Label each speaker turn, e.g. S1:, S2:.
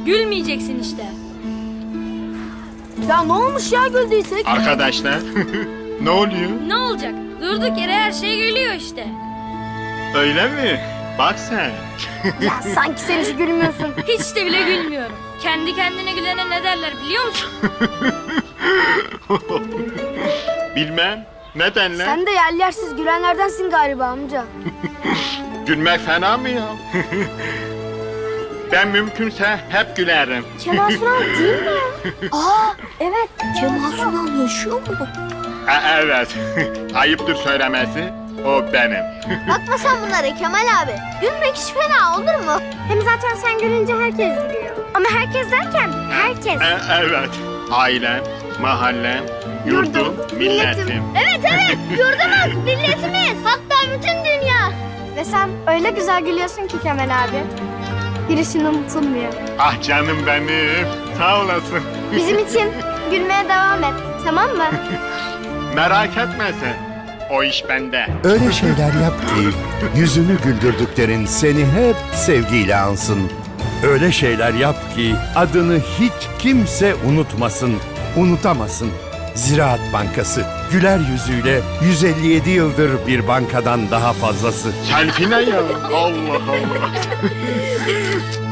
S1: Gülmeyeceksin işte.
S2: Ya ne olmuş ya güldüysek?
S3: Arkadaşlar ne oluyor?
S1: Ne olacak? Durduk yere her şey gülüyor işte.
S3: Öyle mi? Bak sen.
S2: Ya sanki sen hiç gülmüyorsun.
S1: Hiç de bile gülmüyorum. Kendi kendine gülene ne derler biliyor musun?
S3: Bilmem. Neden lan?
S2: Sen de yer yersiz gülenlerdensin galiba amca.
S3: Gülmek fena mı ya? Ben mümkünse hep gülerim.
S2: Kemal Sunal değil mi? Aa evet. Kemal Sunal yaşıyor mu?
S3: Evet. Ayıptır söylemesi. O benim.
S2: Bakma sen bunlara Kemal abi. Gülmek hiç fena olur mu? Hem zaten sen gülünce herkes gülüyor. Ama herkes derken herkes.
S3: Evet. Ailem, mahallem, yurdum, milletim.
S2: Evet yurdumuz, milletimiz. Hatta bütün dünya. Ve sen öyle güzel gülüyorsun ki Kemal abi. Girişin unutulmuyor.
S3: Ah canım benim. Sağ olasın.
S2: Bizim için gülmeye devam et. Tamam mı?
S3: Merak etme sen. O iş bende.
S4: Öyle şeyler yap ki yüzünü güldürdüklerin seni hep sevgiyle ansın. Öyle şeyler yap ki adını hiç kimse unutmasın, unutamasın. Ziraat Bankası güler yüzüyle 157 yıldır bir bankadan daha fazlası.
S3: Selfie ne ya? Allah Allah.